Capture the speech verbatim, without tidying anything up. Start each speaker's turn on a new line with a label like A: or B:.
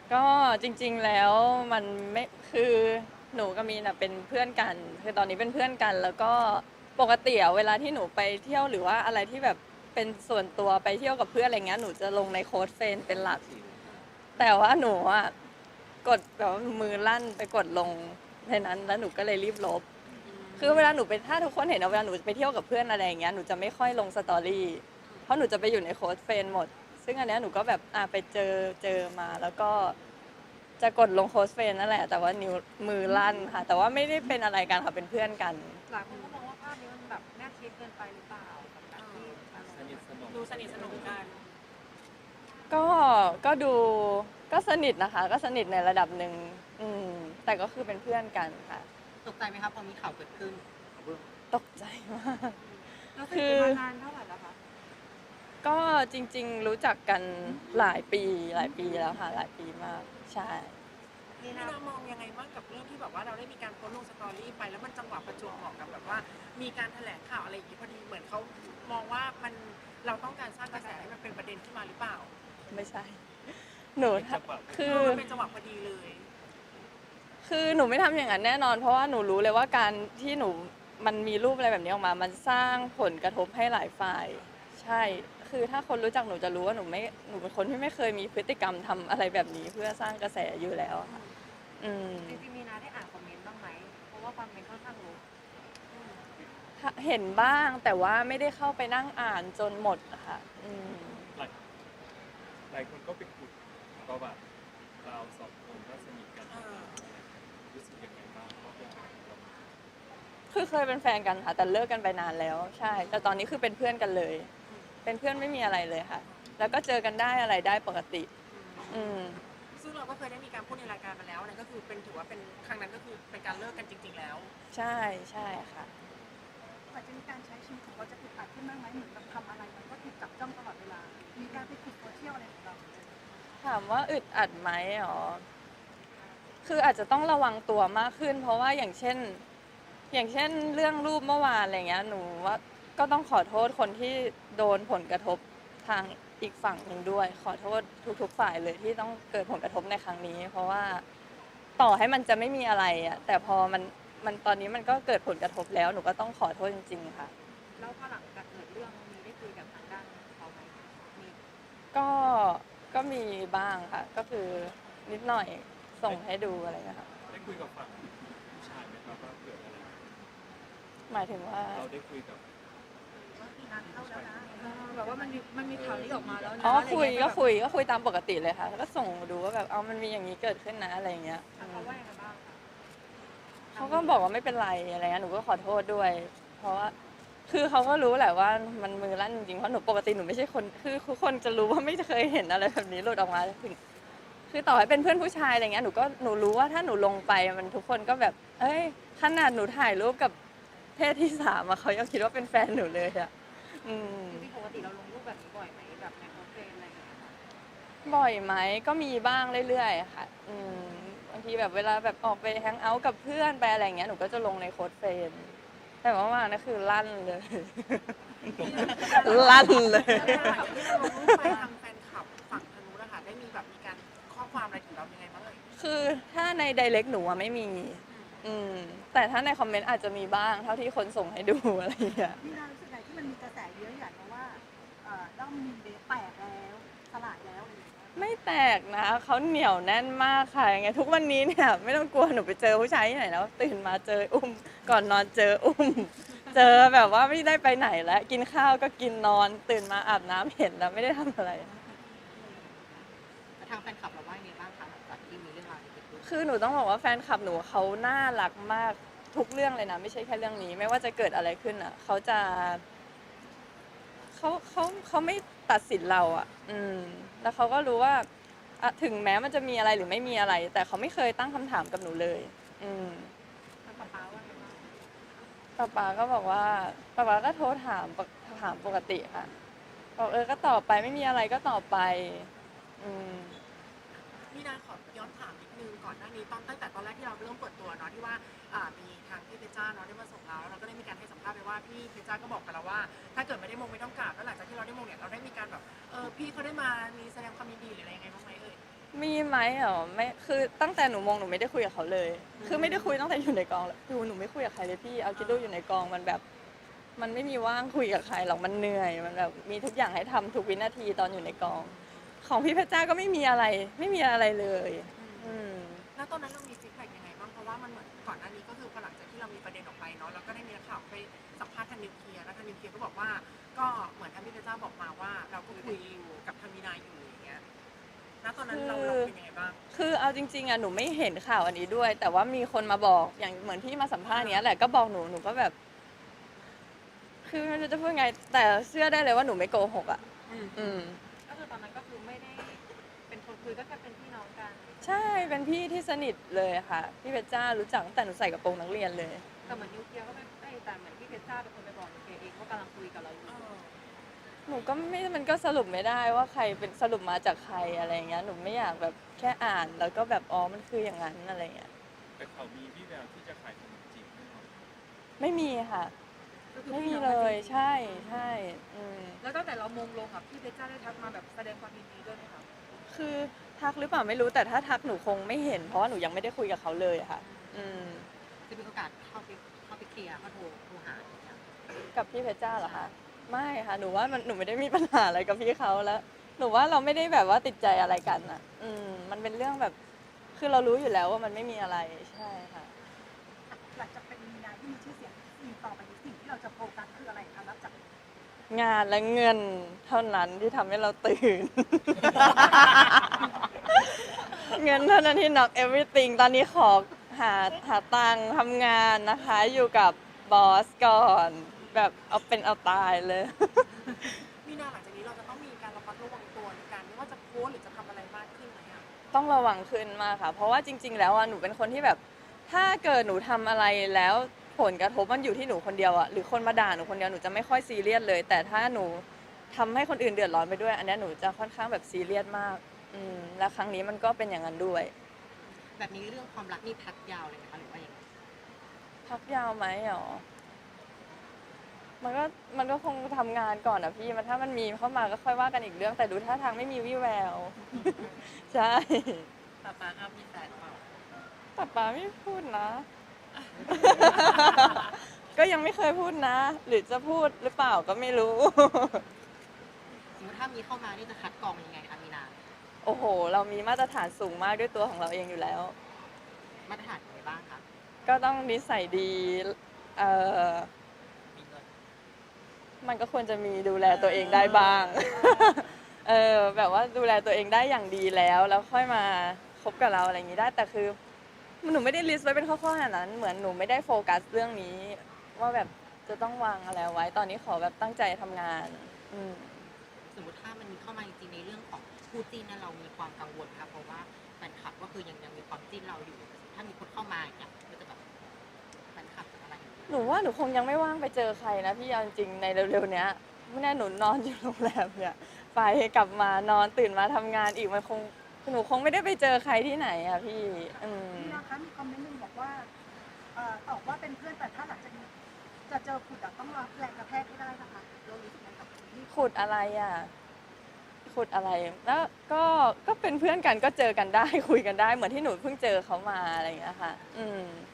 A: ก็จริงๆแล้วมันไม่คือหนูกับมีนอะเป็นเพื่อนกันคือตอนนี้เป็นเพื่อนกันแล้วก็ปกติอะเวลาที่หนูไปเที่ยวหรือว่าอะไรที่แบบเป็นส่วนตัวไปเที่ยวกับเพื่อนอะไรเงี้ยหนูจะลงในโค้ดเฟรนด์เป็นหลักแต่ว่าหนูอะกดแบบว่ามือลั่นไปกดลงในนั้นแล้วหนูก็เลยรีบลบคือเวลาหนูไปถ้าทุกคนเห็นนะเวลาหนูไปเที่ยวกับเพื่อนอะไรอย่างเงี้ยหนูจะไม่ค่อยลงสตอรี่เพราะหนูจะไปอยู่ในโค้ดเฟรนด์หมดซึ่งอันเนี้ยหนูก็แบบอ่ะไปเจอเจอมาแล้วก็ จะกดลงโค้ชเฟรนด์นั่นแหละแต่ว่านิ้วมือลั่นค่ะแต่ว่าไม่ได้เป็นอะไรกันค่ะเป็นเพื่อนกัน
B: หลายคนก็มองว่าภาพนี้มันแบบแนบชิดเกินไปหรือเปล่ากับการที่อารมณ์ดูสนิทสนมกัน
A: ก็ก็ดูก็สนิทนะคะก็สนิทในระดับหนึ่งอืมแต่ก็คือเป็นเพื่อนกันค่ะ
C: ตกใจไหมครับพอมีข่าวเกิดขึ้น
A: ตกใจมาก
B: เราสนิท
A: คือ
B: กันมานานเท่าไหร่แล้วคะ
A: ก็จริงๆรู้จักกันหลายปีหลายปีแล้วค่ะหลายปีมากใช่
B: นี่นะมองยังไงบ้างกับเรื่องที่แบบว่าเราได้มีการโพสต์ลงสตอรี่ไปแล้วมันจังหวะประจวบเหมาะกับแบบว่ามีการแถลงข่าวอะไรอย่างนี้พอดีเหมือนเขามองว่ามันเราต้องการสร้างกระแสให้มันเป็นประเด็นขึ้นมาหรือเปล่า
A: ไม่ใช่หนูคือ
B: มันเป็นจังหวะพอดีเลย
A: คือหนูไม่ทำอย่างนั้นแน่นอนเพราะว่าหนูรู้เลยว่าการที่หนูมันมีรูปอะไรแบบนี้ออกมามันสร้างผลกระทบให้หลายฝ่าย ใช่ คือถ้าคนรู้จักหนูจะรู้ว่าหนูไม่หนูเป็นคนที่ไม่เคยมีพฤติกรรมทำอะไรแบบนี้เพื่อสร้างกระแสอยู่แล้วค่ะอืม
B: จริงๆมีนาได้อ่านคอมเมนต์บ้างไหมเพราะว่าคอมเมนต์ค่อนข้างเยอะ
A: เห็นบ้างแต่ว่าไม่ได้เข้าไปนั่งอ่านจนหมดอะค่ะอืม
D: หลายหลายคนก็ไปขุดประวัติเราสองคนก็สนิทกันรู้สึกยังไงบ้างว่าเป็นเรา
A: คือเคยเป็นแฟนกันค่ะแต่เลิกกันไปนานแล้วใช่แต่ตอนนี้คือเป็นเพื่อนกันเลยเป็นเพื่อนไม่มีอะไรเลยค่ะแล้วก็เจอกันได้อะไรได้ปกติอืม
B: ซึ่งเราก็เคยได้มีการพูดในรายการมาแล้วนั่นก็คือเป็นถือว่าเป็นครั้งนั้นก็คือเป็นการเลิกกันจริงๆแล้ว
A: ใช่ใช่ค่ะ
B: อาจจะมีการใช้ชีวิตของเราจะอึดอัดขึ้นบ้างไหมเหมือนแบบทำอะไรมันก็ถูกจับจ้องตลอดเวลามีการไปติดโซเชียลอะไรของเรา
A: ถามว่าอึดอัดไหมอ๋อคืออาจจะต้องระวังตัวมากขึ้นเพราะว่าอย่างเช่น อย่างเช่นเรื่องรูปเมื่อวานอะไรเงี้ยหนูว่าก็ต้องขอโทษคนที่โดนผลกระทบทางอีกฝั่งหนึ่งด้วยขอโทษทุกๆฝ่ายเลยที่ต้องเกิดผลกระทบในครั้งนี้เพราะว่าต่อให้มันจะไม่มีอะไรอะแต่พอมันมันตอนนี้มันก็เกิดผลกระทบแล้วหนูก็ต้องขอโทษจริงๆค่ะ
B: แล้วพอหลังจากเกิดเรื่องมีได้คุยกับทางด้านเขาไหมมี
A: ก็ก็มีบ้างค่ะก็คือนิดหน่อยส่งให้ดูอะไรเงี้ยค่ะ
D: ได้คุยกับฝั่งผู้ชายไหมครับว่าเกิดอะไร
A: หมายถึงว่า
D: เราได้คุยกับ
B: งานเข้าแล้วนะแบบว่ามันมีมันมีข่าวนี้ออกมาแล้วนะ
A: อ๋อคุยก็คุยก็คุยตามปกติเลยค่ะแล้วก็ส่งดูว่าแบบเอามันมีอย่างนี้เกิดขึ้นนะอะไรเงี้ย
B: เขาว่ายังไงบ้างคะ
A: เขาก็บอกว่าไม่เป็นไรอะไรเงี้ยหนูก็ขอโทษด้วย เพราะว่าคือเขาก็รู้แหละว่ามันมือลั่นจริงๆเพราะหนูปกติหนูไม่ใช่คนคือทุกคนจะรู้ว่าไม่เคยเห็นอะไรแบบนี้หลุดออกมาถึงคือต่อให้เป็นเพื่อนผู้ชายอะไรเงี้ยหนูก็หนูรู้ว่าถ้าหนูลงไปมันทุกคนก็แบบเอ้ยขนาดหนูถ่ายรูปกับเพศที่สามอะเขายังคิดว่าเป็นแฟนหนูเลยอะอืม
B: จริงๆปกติเราลงรูปแบบนี้บ่อยไหมแบบในโพสเฟรมอะไรอย่างเงี้ยค่ะ
A: บ่อยไหมก็มีบ้างเรื่อยๆค่ะอืมบางทีแบบเวลาแบบออกไปแฮงเอาท์กับเพื่อนไปอะไรเงี้ยหนูก็จะลงในโค้ดเฟรนด์ แต่ว่ามานะคือลั่นเลย ลั่นเลย
B: แล้วหลังจากที่เราลงรูปไปทางแฟนคลับฝั่งทางนู้นนะคะได้มีแบบมีการข้อความอะไรถึงเรายังไงบ้างเอ่ย
A: คือถ้าใน ไดเรกต์ หนูอะไม่มี อืม แต่ถ้าในคอมเมนต์อาจจะมีบ้างเท่าที่คนส่งให้ดูอะไรอย่างเงี้ย
B: มีนารู้สึกไงที่มันมีกระแสเยอะอย่างมาว่าเอ่อด้อมมีเบสแตกแล้วสลายแล้วอะไรอย่างเงี้ย
A: ไม่แตกนะเขาเหนียวแน่นมากค่ะยังไงทุกวันนี้เนี่ยไม่ต้องกลัวหนูไปเจอผู้ชายที่ไหนแล้วตื่นมาเจออุ้มก่อนนอนเจออุ้มเจอแบบว่าไม่ได้ไปไหนแล้วกินข้าวก็กินนอนตื่นมาอาบน้ำเห็นแล้วไม่ได้ทำอะไร
C: ทางแฟนคลับเราว่ายังไงบ้างคะหลังจากที่มีเรื่องราวนี้เกิดขึ้น
A: คือหนูต้องบอกว่าแฟนคลับหนูเขาน่ารักมากทุกเรื่องเลยนะไม่ใช่แค่เรื่องนี้ไม่ว่าจะเกิดอะไรขึ้นอ่ะเขาจะเขาเขาเขาไม่ตัดสินเราอ่ะอืมแล้วเขาก็รู้ว่าอะถึงแม้มันจะมีอะไรหรือไม่มีอะไร แต่เขาไม่เคยตั้งคำถามกับหนูเลยอืม
B: ทางป๊าป๊าว่าไงบ้าง
A: ป๊าป๊าก็บอกว่าป๊าป๊าก็โทรถามปกถามปกติค่ะบอกเออก็ตอบไปไม่มีอะไรก็ตอบไปอืม
B: มีนาขอย้อนถามนิดนึงก่อนหน้านี้ตอนตั้งแต่ตอนแรกที่เราเริ่มเปิดตัวเนาะที่ว่าอ่ามีทางพี่เพชรจ้าเนาะได้มาส่งเราเราก็ได้มีการให้สัมภาษณ์ไปว่าพี่เพชรจ้าก็บอกกับเราว่าถ้าเกิดไม่ได้มงไม่ต้องกราบแล้วหลังจากที่เราได้มงเนี่ยเราได้มีการแบบเออพี่เขาได้มามีแสดงความยินดีหรืออะไรยังไงบ้างไหมเอ่ย
A: มีไหมเหรอไม่คือตั้งแต่หนูมองหนูไม่ได้คุยกับเขาเลย คือไม่ได้คุยตั้งแต่อยู่ในกองแล้วดูหนูไม่คุยกับใครเลยพี่เอาคิดดูอยู่ในกองมันแบบ มันไม่มีว่างคุยกับใครหรอกมันเหนื่อยมันแบบมีทุกอย่างให้ทำทุกวินาทีตอนอยู่ในกอง ของพี่เพชรจ้าก็ไม่มีอะไร ไม่มีอะไรเลย อืม
B: แล้วตอนนั้นเรามีฟีดแบ็กยังไงบ้างเพราะว่ามันเหมือนก่อนหน้านี้ก็คือพอหลังจากที่เรามีประเด็นออกไปเนาะเราก็ได้มีนักข่าวไปสัมภาษณ์ทางนิวเคลียร์แล้วทางนิวเคลียร์ก็บอกว่าก็เหมือนทางพี่เพชรจ้าบอกมาว่า เราก็คุยอยู่กับทางมีนาอยู่อย่างเงี้ยณตอนนั้นเราเราเป็นยังไงบ้าง
A: คือเอาจริงๆอะหนูไม่เห็นข่าวอันนี้ด้วย แต่ว่ามีคนมาบอกอย่างเหมือนที่มาสัมภาษณ์เนี้ยแหละก็บอกหนูหนูก็แบบ คือไม่รู้จะพูดไง แต่เชื่อได้เลยว่าหนูไม่โกหกอะ
B: อืม
A: อืม
C: ก็คือตอนนั้นก็คือไม่ได้เป็นคนคุยก็แค่เป็นพี่น้องกัน
A: ใช่เป็นพี่ที่สนิทเลยค่ะพี่เพชรจ้ารู้จักตั้งแต่หนูใส่กระโปรงนักเรียนเลย
C: แต่เหมือนนิวเคลียร์ก็ไม่ไม่แต่เหมือนพี่เพชรจ้าเป็นคนไปบอกนิวเคลียร์เองว่ากำลังคุยกับเราอยู่
B: เออ
A: หนูก็ไม่มันก็สรุปไม่ได้ว่าใครเป็นสรุปมาจากใครอะไรอย่างเงี้ยหนูไม่อยากแบบแค่อ่านแล้วก็แบบอ๋อมันคืออย่างนั้นอะไรเงี้ย
D: แต่เขามีวี่แววที่จะขายขนมจีบแน่นอน
A: ไม่มีค่ะ
C: ก็คือ
A: ไม่
C: พี่
A: มี
C: น้อง
A: เล
C: กัน
A: ย
C: จริงๆ
A: ใช่ใช่อืม
C: แล้วตั้งแต่เรามงลงอ่ะพี่เพชรจ้าได้ทักมาแบบแสดงความยินดีด้วยไหมคะ
A: คือทักหรือเปล่าไม่รู้แต่ถ้าทักหนูคงไม่เห็น เพราะว่าหนูยังไม่ได้คุยกับเขาเลยอะค่ะ อืม
C: จะมีโอกาสเข้าไปเข้าไปเคลียร์เขาโทรโทรหาอย่างเงี้ย
A: กับพี่เพชรจ้าเหรอคะไม่ค่ะหนูว่ามันหนูไม่ได้มีปัญหาอะไรกับพี่เขาแล้ว หนูว่าเราไม่ได้แบบว่าติดใจอะไรกันอ่ะ อืมมันเป็นเรื่องแบบ คือเรารู้อยู่แล้วว่ามันไม่มีอะไรใช่ค่ะ
E: หลังจากเป็นมีนาที่มีชื่อเสียงสิ่งต่อไปนี้สิ่งที่เราจะโฟกัสคืออะไรคะนับจาก
A: งานและเงินเท่านั้นที่ทำให้เราตื่น เงินเท่านั้นที่ knock everything ตอนนี้ขอหาหาตังค์ทำงานนะคะ อยู่กับบอสก่อน แบบเอาเป็นเอาตายเลย
B: มีนาหลังจากนี้เราจะต้องมีการระมัดระวังตัวในการไม่ว่าจะโพสต์หรือจะทำอะไรมากขึ้นไหมอะ
A: ต้องระวังขึ้นมากค่ะ เพราะว่าจริง ๆ แล้วอ่ะหนูเป็นคนที่แบบ ถ้าเกิดหนูทำอะไรแล้วผลกระทบมันอยู่ที่หนูคนเดียวอ่ะหรือคนมาด่าหนูคนเดียวหนูจะไม่ค่อยซีเรียสเลย แต่ถ้าหนูทำให้คนอื่นเดือดร้อนไปด้วย อันเนี้ยหนูจะค่อนข้างแบบซีเรียสมาก อืมและครั้งนี้มันก็เป็นอย่างนั้นด้วย
C: แบบนี้เรื่องความรักนี่พักยาวเลยไหมคะหรือว่ายังไง
A: พักยาวไหมหรอ มันก็มันก็คงทำงานก่อนอะพี่ มันถ้ามันมีเข้ามาก็ค่อยว่ากันอีกเรื่อง แต่ดูท่าทางไม่มีวี่แวว ใช่
C: ป้าป้าครับมีแฟนเปล่า
A: แต่ป้าไม่พูดนะ ก็ยังไม่เคยพูดนะ หรือจะพูดหรือเปล่าก็ไม่รู้
C: สมมติถ้ามีเข้ามานี่จะคัดกรองยังไงคะมีนา
A: โอ้โห เรามีมาตรฐานสูงมากด้วยตัวของเราเองอยู่แล้ว
C: มาตรฐานอะไรบ้างคะ
A: ก็ต้องนิสัยดี เอ่อ
C: มีเงิน
A: มันก็ควรจะมีดูแลตัวเองได้บ้าง เออแบบว่าดูแลตัวเองได้อย่างดีแล้ว แล้วค่อยมาคบกับเราอะไรอย่างนี้ได้ แต่คือหนูไม่ได้ลิสต์ไว้เป็นข้อๆขนาดนั้น เหมือนหนูไม่ได้โฟกัสเรื่องนี้ ว่าแบบจะต้องวางอะไรไว้ ตอนนี้ขอแบบตั้งใจทำงาน อืม
C: สมมติถ้ามันมีเข้ามาจริงๆในเรื่องของคู่จิ้นนั้นเรามีความกังวลค่ะเพราะว่าแฟนคลับก็คือยังยังมีความจิ้นเราอยู่ ถ้ามีคนเข้ามาอย่างเงี้ยมันจะแบบแฟนคลับอะไรอย่างเงี้ย
A: หนูว่าหนูคงยังไม่ว่างไปเจอใครนะพี่เอาจริงๆในเร็วๆเนี้ยไม่แน่หนูนอนอยู่โรงแรมเนี่ยไปกลับมานอนตื่นมาทำงานอีกมันคงหนูคงไม่ได้ไปเจอใครที่ไหนอะพี่อืม
E: มีนะคะมีคอมเมนต์หนึ่งบอกว่าเอ่อตอบว่าเป็นเพื่อนแต่ถ้าหลังจากนี้จะเจอขุดอะต้องรับแรงกระแทกให้ได้นะคะเรารู้สึกไงกับคนที่
A: ขุดอะไรอ่ะขุดอะไรแล้วก็ก็เป็นเพื่อนกันก็เจอกันได้ คุยกันได้เหมือนที่หนูเพิ่งเจอเขามาอะไรอย่างเงี้ยค่ะ อืม